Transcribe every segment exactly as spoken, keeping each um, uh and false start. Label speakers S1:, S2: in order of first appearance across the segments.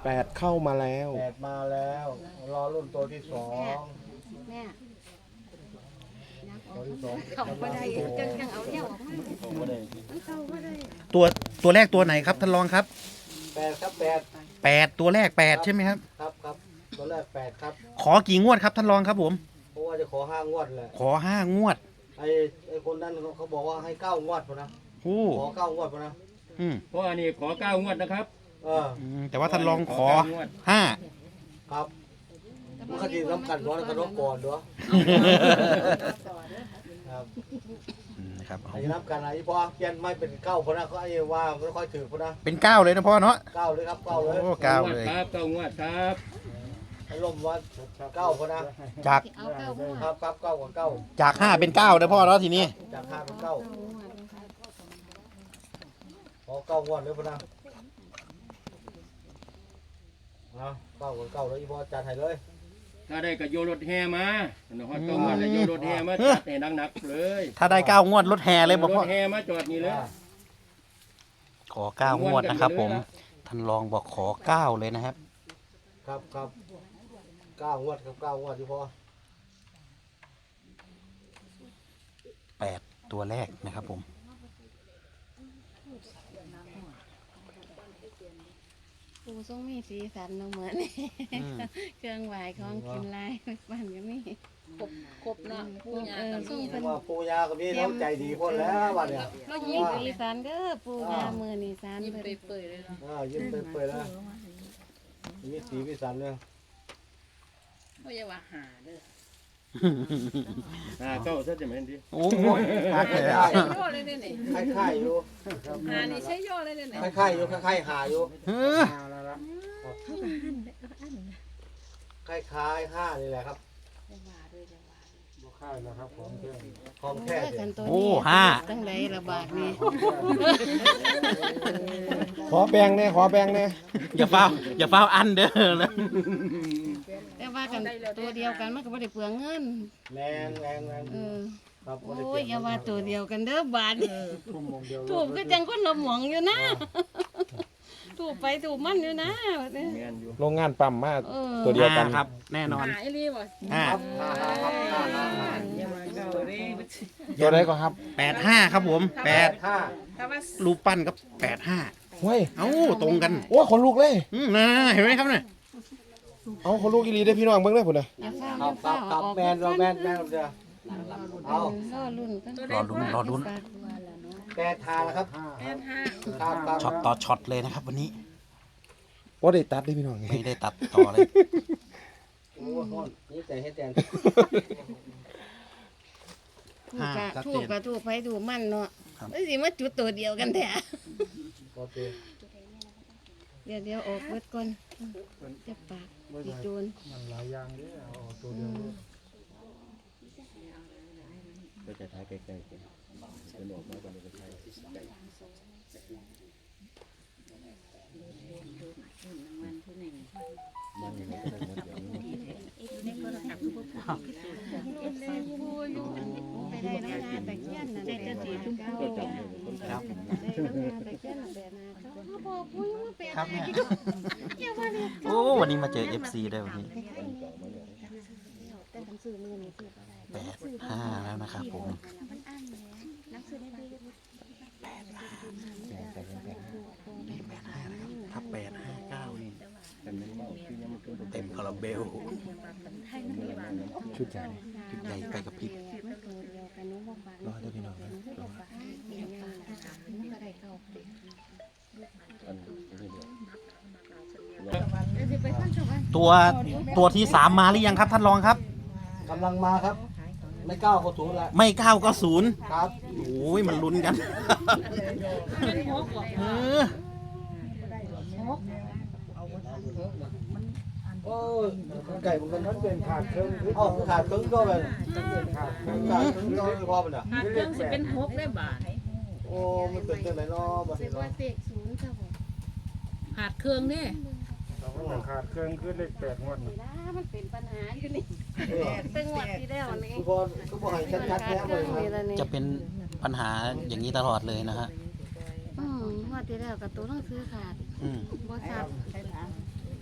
S1: แปดเข้ามาแล้ว
S2: แปดมาแล้ว รอรุ่นตัวที่สอง
S3: แม่
S2: ตัวที่สอง
S3: เขาก็ได้จังจังเอาเดี่ยวออกมามันเข้าก็ได้
S4: ตัวตัวแรกตัวไหนครับท่านรองครับ
S2: แปดครับแปด
S4: แปดตัวแรกแปดใช่ไหมครับ
S2: ครับครับตัวแรกแปดครับ
S4: ขอกี่งวดครับท่านรองครับผม
S2: เพราะว่าจะขอห้างวดแหละ
S4: ขอห้างวด
S2: ไอ้ไอ้คนนั้นเขาเขาบอกว่าให้เก้างวดพอนะ
S4: โอ้
S2: ขอเก้างวดพอนะ
S4: อืม
S5: เพราะอันนี้ขอเก้างวดนะครับ
S2: เออ
S4: อืมแต่ว่าท่านรองขอ
S5: เก้างวด
S4: ห้า
S2: ครับมันคดีน้ำกันร้อนกันรบก่อนด้วยครับ
S4: อืมนะครับเอา
S2: ไอ้น้ำกันไอ้พอเปลี่ยนไม่เป็นเก้าพอนะเขาไอ้ว่าไม่ค่อยถือพอนะ
S4: เป็นเก้าเลยนะพ่อเนาะ
S2: เก้าเลยครับเก้าเลย
S4: โอ้เก้าเลย
S5: ครับเก้างวดครับ
S2: ไอ้ลมว่าเก้าพอนะ
S4: จาก
S3: เอาเก้าหัว
S2: ครับครับเก้ากับเก้า
S4: จากห้าเป็นเก้านะพ่อเนาะทีนี้
S2: จากห้าเป็นเก้า
S3: เก้าหัวนะคะ
S2: ขอเก้างวดเลยพอนะเอาเก้ากับเก้าเลยอีพอจัดให้เลย
S5: ถ้าได้ก็โยนรถแห่มาหนอยเก้างวดแล้วโยนรถแห่มาจัดให้หนักๆเลย
S4: ถ้าได้เก้างวดรถแห่เลยบอก
S5: ร
S4: พ่อ
S5: ถแห่มาจอดนี่เลย
S4: ขอเก้างวดนะครับผมท่านรองบอกขอเก้าเลยนะครับ
S2: ครับครับเก้างวดครับเก้างวดที่พอ
S4: แปดตัวแรกนะครับผม
S3: ปูทรงมีสีสันเนาะเหมือน
S4: อืม
S3: เครื่องไหวของกินลายบ้านก็มี
S6: ครบครบเนาะปูยา
S3: เออ
S6: กับ
S3: ส่ง
S6: มี
S3: เป็น
S2: ว่าปูยากับพี่น้องใจดีคนแล้ววันเนี้ย
S3: เรามีสีสันเด้อปูยามือนี่สัน
S6: ยิ้ม
S3: เพิ่น
S6: เปื่อยๆเลยเนาะ
S2: อ่ายิ้มเปื่อยๆแล้วมีสีมีสันเนี่ย
S6: ไม่ใช่ว่าหาเด้อ
S5: อ่าเก้าซะจะเหม็นดี
S4: โอ้โหหักเลย
S2: ใช่
S4: อะ
S6: ใช่ย่อเลยเนี่ยนี่
S2: คล้ายๆอยู่
S6: หานี่ใช่ย่อเลยเนี่ยนี่
S2: คล้ายๆอยู่คล้ายๆหาอยู่
S4: เออ
S2: คล้ายๆห้านี่แหละครับ
S3: จะว่าด้วยจะว่า
S2: ของแท้
S3: เออ
S2: เดี
S3: กั
S2: ย
S3: น
S2: ว
S3: ตัว
S4: โอ้
S3: นี้
S4: ห้า
S3: ตั้งไรระบาดนี่
S1: ขอแบ่งเนี่ยขอแบ่งเนี่ย
S4: อย่าเฝ้าอย่าเฝ้าอันเด้อนะ
S3: แต่ว่ากันตัวเดียวกันมันก็ไม่ได้เปลืองเงิน
S2: แรงแรงแรง
S3: เออ
S2: ครับ
S3: โอ้ยอย่าว่าตัวเดียวกันเด้อบาดนี่ถูกก็จังคนละหมองอยู่นะถูกไปถูกมันอยู่นะแบบนี้
S5: แมนอยู่
S1: โรงงานปั๊มมา
S3: เออ
S1: ตัวเดียวกัน
S4: ห้าครับ แน่นอน
S6: หาไอ้รีบ่
S4: ห้า
S2: ครับห้าห้าครับห้าห้าห้า
S6: อย่ามาเก่าเลย
S1: ตัวใดก็ครับ
S4: แปดห้าครับผมแปด
S2: ห้า
S6: ถ้าว่า
S4: รูปปั้นกับแปดห้า
S1: เฮ้ย
S4: เอ้าตรงกัน
S1: โอ้ยขนลุกเลย
S4: อืมนะเห็นไหมครับเนี่ย
S1: เอาขนลุกอีหลีได้อพี่น้องเบิ่งได้อพุ่นน่ะ
S3: อย่าเฝ้า
S2: ครับครับครับแมนเราแมนแมนเราจะเอา
S3: รอรุ่นกัน
S4: รอลุ้นรอลุ้น
S2: แปดทาแล้วครับ
S6: แปดห้า
S2: ครับครับ
S4: ช็อตต่อช็อตเลยนะครับ วันนี้
S1: บ่ได้ตัดได้อพี่น้อง
S4: ไม่ได้ตัดต่อเลย
S2: โอ้โหนี่ใจให้แตน
S3: ถูกกะถูกกะถูกไปถูกมันเนาะไม่สิมาจุดตัวเดียวกันแท้
S2: โอเค
S3: เดี๋ยวเดี๋ยวออกเบิดก่อนจะปากอีจูน
S2: มันหลายอย่างนี่เอาตัวเดียว
S5: ก็จะถ่ายใกล้ๆกันเป็นออกมาก่อนเลยก็ถ่ายมันนี่ก็ได้หมดอย่างนี้
S3: ไปได้น้ำนาตะเคียนนั่นแหละสีชุ่มพู
S5: ก็จำเลยคนไทย
S4: ครับ
S3: ได้น้ำนาตะเคียนนั่นแหละนะเขาบอกพูดว่าเป็น
S4: ครับ
S3: อะไร
S4: เนี่ย
S3: อย่าว่าเลย
S4: โอ้วันนี้มาเจอ เอฟ ซี ได้วันนี้
S3: แต่หนังสือมือนี่คืออะไร
S4: แปดห้าแล้วนะครับผม
S3: มันอ่านแหมหนังสือได้ดี
S4: แปดห้าถ้าแปดห้าเก้านี่
S5: แต่มันว่าคือยังมันเป็น
S4: เต็มคาราเบล
S1: ชุดใหญ่
S4: ชุดใหญ่ไปกับพริบ
S3: มันตัวเดียวกันนู้นว่าฟัง
S1: รอเด้อพี่น้องนะ
S3: รอฟังเดี๋ยวยังมันก็ได้เข้าไป
S5: อันนี้เดียว
S3: เดี๋ยวสิไปขั้นชม
S4: ตัวตัวที่สามมาหรือยังครับท่านรองครับ
S2: กำลังมาครับ ไม่ก้าวเข้าถูแล้ว
S4: ไม่เก้าก็ศูนย์
S2: ครับ
S4: โอ้ยมันลุ้นกันเออ
S2: โอ้ยไก่มันมันเป็นขาดครึ่งอ๋อขาดครึ่งก็เป็นขาดครึ่งขาดครึ่งก็ไม่พอมันอ่ะ
S6: หาเครื่องสิเป็นหกได้บาท
S2: โอ้มันเป็นจังไรเนาะบัด
S3: เส
S2: นี้
S3: กว่า
S2: เนาะ
S3: เสกศูนย์ครับผม
S6: หาเครื่องนี่
S7: ขาดเครื่องขึ้นเลขแปดงวด
S3: นี่นะมันเป็นปัญหาอยู่นี่เป็นงวดที่แล้วนี่
S2: ทุกคนก็บอกให้ชัดๆแท้เลยครับ
S4: จะเป็นปัญหาอย่างนี้ตลอดเลยนะฮะ
S3: อืมงวดที่แล้วกับตัวหนังสือขาด
S4: อืม
S3: บ่ชัด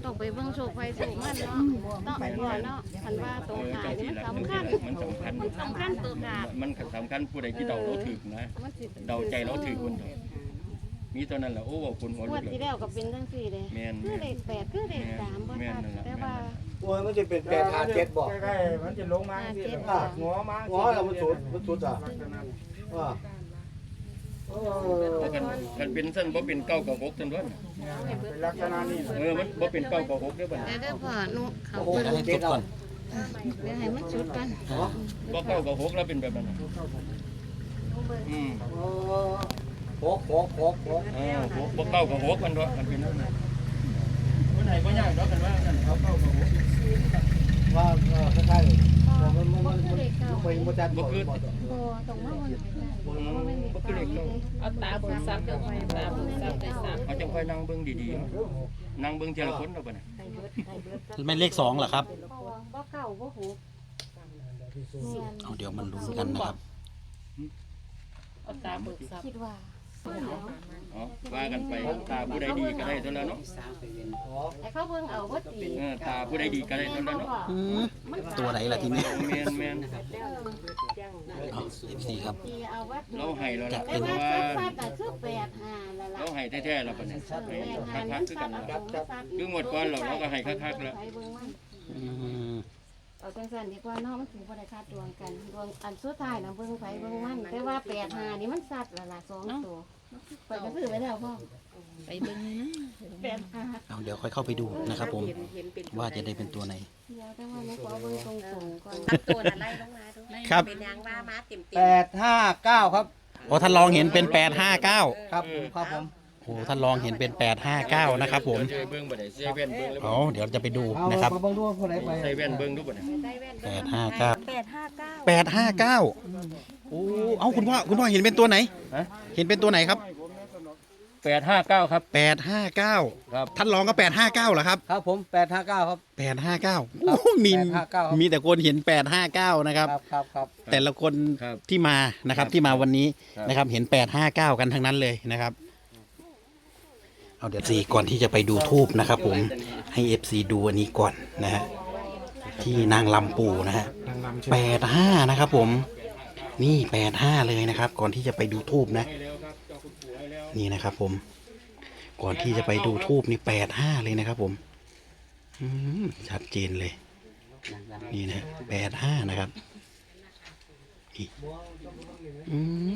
S3: ต้องไปเบิ่งโชคไฟโชคมันเนาะต้องไปก่อนเนาะคันว่าตรงขายนี่มันสำคัญ
S5: มันสำคัญ
S3: มันสำคัญตัวขาด
S5: มันสำคัญผู้ใดที่เดาเราถึกนะ
S3: มันสิ
S5: เดาใจเราถึกคนเดียวมีเท่านั้นแหละโอ้บอกคนหัว
S3: ง
S5: ลุ
S3: ว
S5: ก
S3: ด
S5: เล
S3: ที่
S5: ย
S3: แล้วก็เป็นจังซี่เด้
S5: แม่น
S3: คือเลขแปดคือเลขสามบ่ชัดแต่ว่า
S2: โอ้ยมันจะเป็นแปดหาเจ็ดบอก
S7: ใกล้ๆมันจะลงมาสิหัวมา
S2: หัวเรามันสุดมันสุดอ่ะว่าเออ
S5: กันกันเป็นเส้นบ่เป็นเก้ากับหกเส้นด้วย
S7: เป็นลักษณะนี้
S5: เออมันบ่เป็นเก้ากับหกเด้อบัด
S3: แต่เด้อพ่อหนูเขา
S2: โอ้โห
S3: เบิ่ง
S2: เจ็ดเอา
S3: เดี๋ยวให้มันชุดกัน
S5: บ่เก้ากับหกแล้วเป็นแบบนั้นอืม
S2: โอ้โหโหโหโห
S5: เออหกบ่เก้ากับหกมันด้วยมันเป็นนั่นน่ะคนไหนบ่ยากดอกกันว่านั่นเขาเก้ากับหก
S2: ว่าเออคล้ายๆมันมันมันมันไปมันจัดบ่
S5: บ่คือ
S3: บ่ต้องมาวัน
S5: อืมบ่คือเลขเก้า
S6: เอาตาเบิ่งซับเดี๋ยวไปตาเบิ่งซับได้ซับ
S5: เอาจังค่อยนั่งเบิ่งดีๆนั่งเบิ่งทีละคนเด้อบัดน่ะ
S4: ไม่เลขสองเหรอครับ
S3: บ่เก่าบ่หู
S4: เอาเดี๋ยวมันลุ้นกันนะครับ
S6: เอาตาเบิ่งซับ
S3: คิดว่า
S5: อ๋อว่ากันไปตาผู้ใดดีก็ได้เท่านั้นเนาะ
S3: ไอ้เขาเบิ่งเอาบ่ตี
S5: เออตาผู้ใดดีก็ได้เท่านั้นเนาะ
S4: อืมตัวไหนล่ะทีนี้
S5: แม่นแม่น
S4: เอาเอฟซีครับ
S3: ตีเอาว่า
S5: เราให้แล้วล่ะ
S3: แต่
S5: เพราะ
S3: ว่า
S5: ว่า
S3: ซัดๆก็คือแปดห้าแล้วล่ะ
S5: เราให้แท้ๆแล้วบัดนี้ให้คักๆคือกันแล้วคือหมดก่อนเราเราก็ให้คักๆแล้ว
S4: อืม
S3: เอาจังซั่นดีกว่าเนาะมันสิบ่ได้คาดดวงกันดวงอันสุดท้ายน่ะเบิ่งไผเบิ่งมันแต่ว่าแปดห้านี่มันซัดแล้วล่ะสองตัวไปก็ซื้อไว้แล้วพ่อ
S6: ไปเบิ่งนี่นะ
S3: แปดห้า
S4: เอาเดี๋ยวค่อยเข้าไปดูนะครับผม ว่าจะได้เป็นตัวไหน
S3: เดี๋ยวแต่ว่าหนูขอเบิ่งตรงๆก่อน
S8: ตัวน่ะไล่ลงมาดู
S4: ครับ
S8: เป็นยางว่ามาเต็มเต็
S2: แปดห้าเก้าครับ
S4: โอ้ท่านลองเห็นเป็นแปดห้าเก้า
S2: ครับครับผม
S4: โอ้ท่านลองเห็นเป็นแปดห้าเก้านะครับผม
S5: เจอเบิ่งบ่ได้เซเว่นเบิ่งแล้ว
S4: เอาเดี๋ยวจะไปดู
S2: เอา
S4: นะครับ
S2: มาเบิ่งดูคนไหนไป
S5: เซเว่นเบิ่งดูบ่ได้
S4: แปดห้าเก้า
S8: แปดห้าเก้า
S4: แปดห้าเก้าโอ้เอาคุณพ่อคุณพ่อเห็นเป็นตัวไหน
S5: ฮะ
S4: เห็นเป็นตัวไหนครับ
S5: แปดห้าเก้าครับ
S4: แปดห้าเก้า
S5: ครับ
S4: ท่านลองก็แปดห้าเก้าเหรอครับ
S2: ครับผมแปดห้าเก้าครับ
S4: แปดห้าเก้าโอ้มี
S2: แปดห้าเก้าครับ
S4: มีแต่คนเห็นแปดห้าเก้านะครับ
S2: ครับครับครับ
S4: แต่ละคน
S5: ครับ
S4: ที่มานะครับที่มาวันนี้
S5: ครับ
S4: นะครับเห็นแปดห้าเก้ากันทั้งนั้นเลยนะครับเอาเดี๋ยวซีก่อนที่จะไปดูทูบนะครับ ผมให้เอฟซีดูอันนี้ก่อนนะฮะที่นางลำปูนะฮะ
S1: นางรำใช่ไหม
S4: แปดห้านะครับ ผมนี่แปดห้าเลยนะครับ ก่อนที่จะไปดูทูบนะ นี่นะครับ ผม ก่อนที่จะไปดูทูบนี่แปดห้าเลยนะครับ ผมอืมชัดเจนเลย นี่นะแปดห้านะครับนี่อืม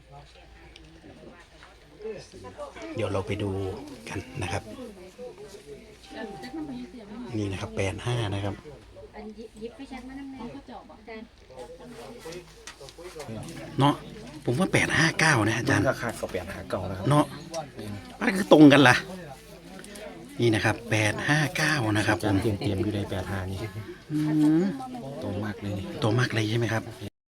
S4: เดี๋ยวเราไปดูกันนะครับ นี่นะครับแปดห้านะครับ
S8: อันยิบไปชันมาน้ำแน่เขาจอบบอกกัน
S4: เนาะผมว่าแปดห้าเก้านะอาจารย์
S1: ก็ขาดก็แปดหาเก่าแล้วครับ
S4: เนาะมันคือตรงกันล่ะ นี่นะครับแปดห้าเก้านะครับผม
S1: เตรียมเตรียมอยู่ในแปดหานี่
S4: อืม
S1: โตมากเลยนี่
S4: ตัวมากเลยใช่ไหมครับ
S1: แม